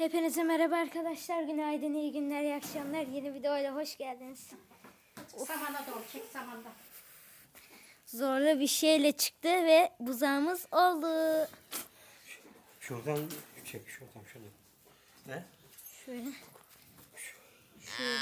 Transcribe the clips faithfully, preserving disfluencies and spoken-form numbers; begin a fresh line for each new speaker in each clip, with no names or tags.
Hepinize merhaba arkadaşlar. Günaydın, iyi günler, iyi akşamlar. Yeni videoyla hoş geldiniz.
Samana doğru çek samanda.
Zorlu bir şeyle çıktı ve buzağımız oldu.
Şuradan çek, şuradan şuradan. Ne?
Şöyle. Şöyle.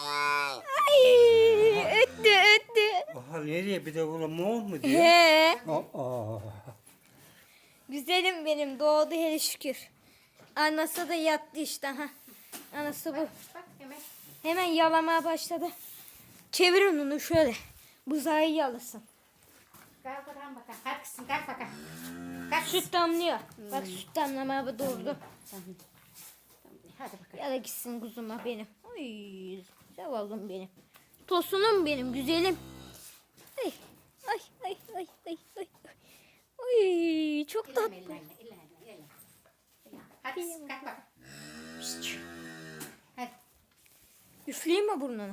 Ay, öttü öttü.
Aha nereye bir de bunu mor mu diyor?
He.
Aa.
Güzelim benim, doğdu hele şükür. Anası da yattı işte ha. Anası bu.
Bak hemen.
Hemen yalamaya başladı. Çevirin onu şöyle. Buzağı yalasın.
Kalk bakalım bakalım. Hadi kızım kalk bakalım. Kalk.
Süt damlıyor. Bak süt damlamaya doğurdu.
Hadi bakalım.
Ya da gitsin kuzuma benim. Ay, zavallım benim. Tosunum benim, güzelim. Ay, ay, ay, ay, ay, ay. Ay, çok tatlı.
İllenme, illenme, illenme, illenme. Hadi kızım kalk bakalım. Hadi.
Üfleyeyim mi burnuna?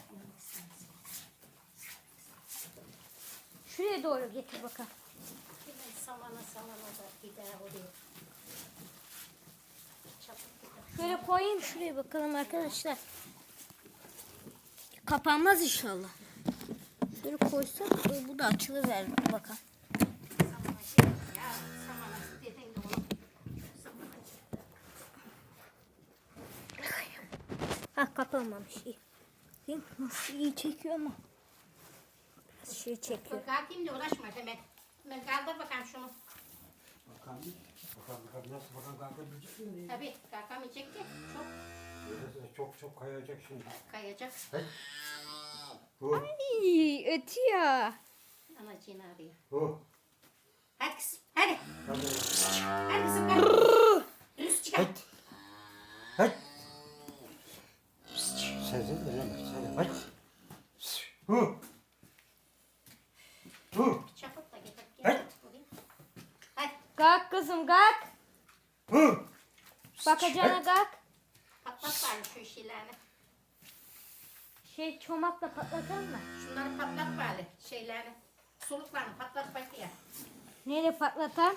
Şuraya doğru getir bakalım.
Hemen samana samana da gider oraya. Çabuk gider.
Şöyle koyayım şuraya bakalım arkadaşlar. Kapanmaz inşallah. Şöyle koysak bu da açılıver bakalım.
Samana şey ya. Samana dediğin de onu. Samana.
Ha, kapanmamış iyi. Değil mi? Nasıl iyi çekiyor ama. Biraz şey çekiyor.
Bak kalkayım da uğraşma hemen. Hemen kaldır bakalım şunu.
Bakalım, bakalım, bakalım nasıl bakalım kalkabilecek mi diye.
Tabii kalkamayacak ki. Çok
Çok çok kayacak şimdi.
kayacak.
Bu,
Ay, ötüyor.
Anacığını arıyor.
bu.
Hadi kızım hadi.
Hadi.
Hadi kızım kalk. Üst çıkar.
Hadi. Hadi. Sezin öyle sen hadi. Bu. Bu.
Çaput da getir.
Hadi.
Getir. Hadi.
Kalk kızım kalk.
Bu.
Bakacağına kalk.
Patlat bari şu şeylerini.
Şey çomakla patlatalım mı?
Şunları patlat bari şeylerini. Soluklarını patlat bak ya.
Neyle patlatalım?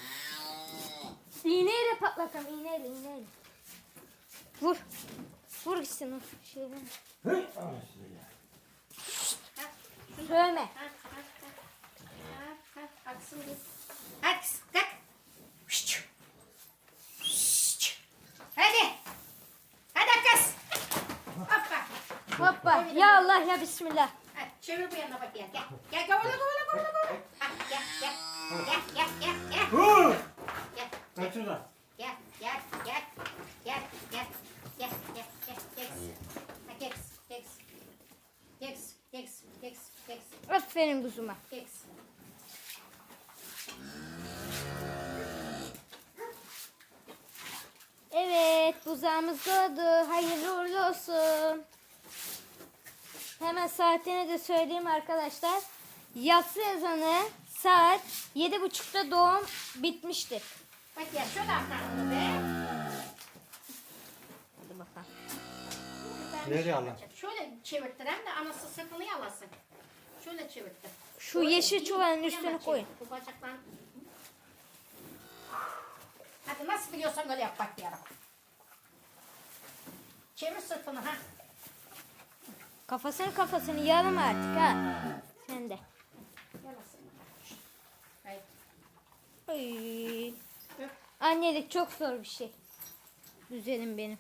İğneyle patlatalım. İğneyle iğneyle. Vur. Vur gitsin o şeyden.
Hı. Anasını ya.
Ha,
Sövme.
ha, ha, ha. Ha, ha, aksın bir. Hadi kız, kalk. Şşş. Şşş. Hadi. Hadi kız. Hoppa.
Hoppa. Ya Allah ya Bismillah.
Hadi çevir bu yana bak ya. Gel. Gel kovala kovala kovala kovala. Ha, gel gel. Gel gel gel gel.
Bu.
Gel.
Kaç şuradan.
Gel, gel, gel, gel, gel, gel, gel, gel, gel. Ha, gel, gel, gel, gel, gel, gel,
Aferin kuzuma.
gel.
Evet, buzağımız doğdu. Hayırlı uğurlu olsun. Hemen saatini de söyleyeyim arkadaşlar. Yatsı ezanı saat yedi buçukta doğum bitmiştir.
Bak ya şöyle atalım be.
Hadi bakalım.
Ben
Nereye
şey
alalım?
yapacağım. Şöyle çevirttirem de anası sırtını yalasın. Şöyle çevirttir.
Şu
Öyle
yeşil
değil,
çuvalın
bu
üstüne
yana
koyun.
çevir. Bu bacaklarını. Hadi nasıl biliyorsan öyle yap bak ya. Çevir sırtını ha.
Kafasını kafasını yalama artık ha. Sen de.
Yalasın. Hayır.
Ay.
Öp.
Annelik çok zor bir şey. Güzelim benim.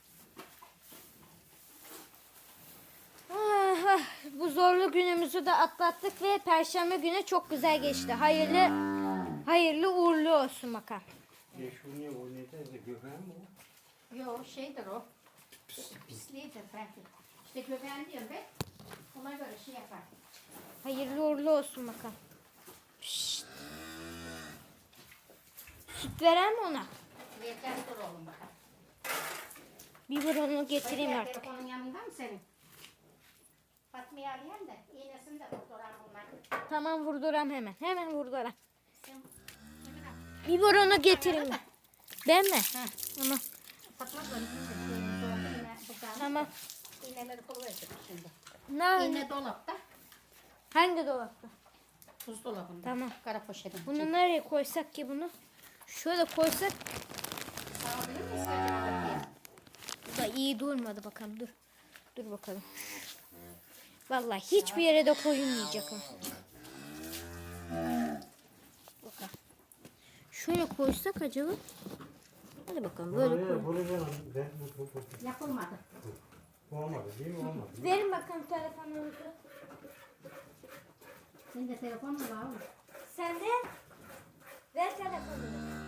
Ah, ah, bu zorlu günümüzü de atlattık ve Perşembe günü çok güzel geçti. Hayırlı hayırlı uğurlu olsun bakalım.
E şu ne o ne de göbeğim mi o?
Yo şeydir o. Pisliğidir belki. İşte göbeğin diyorum ben. Ona göre şey yapar.
Hayırlı uğurlu olsun bakalım. Şşt. Süt veren mi ona?
Vereceğiz dur oğlum bakalım.
Biberonu getireyim
Bak ya,
artık.
telefonun yanında mı senin? Fatma'yı arayayım da iğnesini de doktoran bunlar.
Tamam vurduram hemen. Hemen vurduram.
Sen ne kadar?
Biberonu getireyim ben. Ben mi?
Ha.
Tamam.
Fatma böyle bir şey. Yine buradan.
Tamam.
İğneleri koyacak şimdi.
Ne?
İğne dolapta.
Hangi dolapta?
Buzdolabında.
Tamam.
Kara poşetin.
Bunu nereye koysak ki bunu? Şöyle koysak.
Sağabilir miyiz acaba?
iyi durmadı bakalım. Dur. Dur bakalım. Vallahi hiçbir yere de koyulmayacak o. Bakalım. Şöyle koysak acaba? Hadi bakalım böyle
Buraya,
koy.
buraya ben bu bu bu.
Yapılmadı.
Olmadı değil mi? Olmadı.
Verin bakalım telefonunuzu.
Senin de telefonun var oğlum.
Sen de ver telefonunu.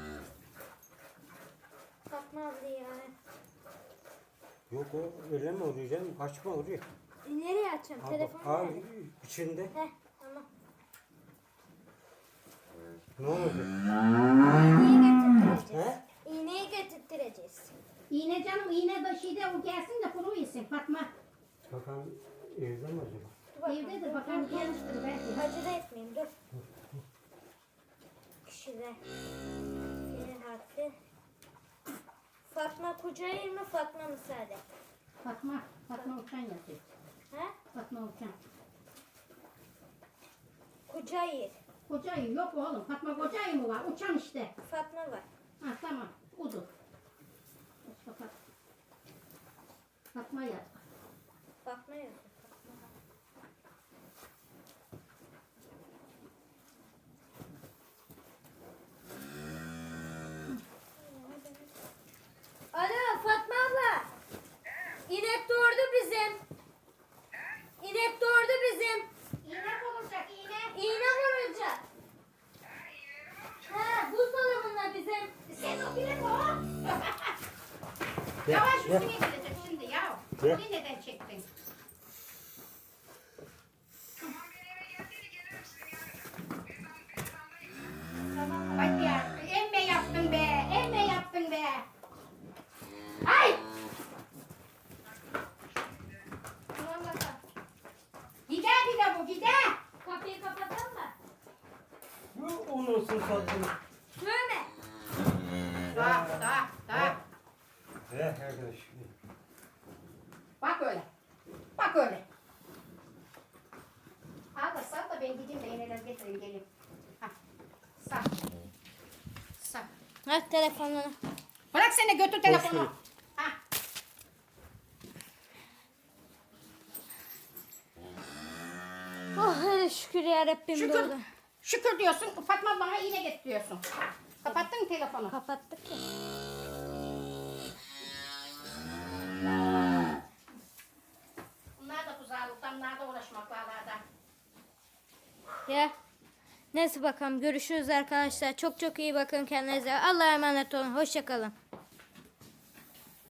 Fatma abla ya.
Yok o öyle mi oluyor canım? Açma oraya.
E, nereye açacağım? Telefonu
Al
nerede?
içinde.
Heh, tamam.
Ne oldu?
İğneyi getirttireceğiz.
He?
İğneyi getirttireceğiz.
İğne canım iğne de şeyde o gelsin de kuru yesin Fatma.
Bakalım evde mi acaba?
Dur bakalım.
Evdedir bakalım gelmiştir belki.
Acele etmeyin dur. Kişiler. Senin harfi. Fatma Kucayır mı Fatma mı Saadet?
Fatma, Fatma Uçan yazıyor.
He?
Fatma Uçan.
Kucayır.
Kocayı yok oğlum. Fatma Kocayı mı var? Uçan işte.
Fatma var.
Ha tamam. Udu. Mustafa. Fatma yaz.
Fatma yok. Alo Fatma abla. İnek doğurdu bizim. İnek doğurdu bizim.
İğne olacak iğne.
İğne vuracak. Ha, buzdolabında bizim.
Sen o bile o.
Gel,
Yavaş
gel.
üstüne gelecek şimdi ya.
Gel.
Bunu neden çektin? Bak ya, emme yaptın be, emme yaptın be. Ay!
Tamam bakalım.
Gider bir de bu, gider.
Kapıyı kapatalım mı?
Bu olursun satın.
Dövme.
Daha, daha, daha.
He arkadaş.
Bak öyle. Bak öyle. Al da sal da ben gideyim de iğneler getireyim geleyim. Hah. Sal. Sal.
Ver telefonunu.
Bırak seni götür telefonu. Hah.
Oh hele şükür ya Rabbim
Şükür.
doğdu.
Şükür diyorsun. Fatma bana iğne getiriyorsun. Kapattın mı telefonu?
Kapattık ya.
Bunlar da buzağlıktan, bunlar da uğraşmak varlarda.
Ya. Neyse bakalım görüşürüz arkadaşlar. Çok çok iyi bakın kendinize. Allah'a emanet olun. Hoşça kalın.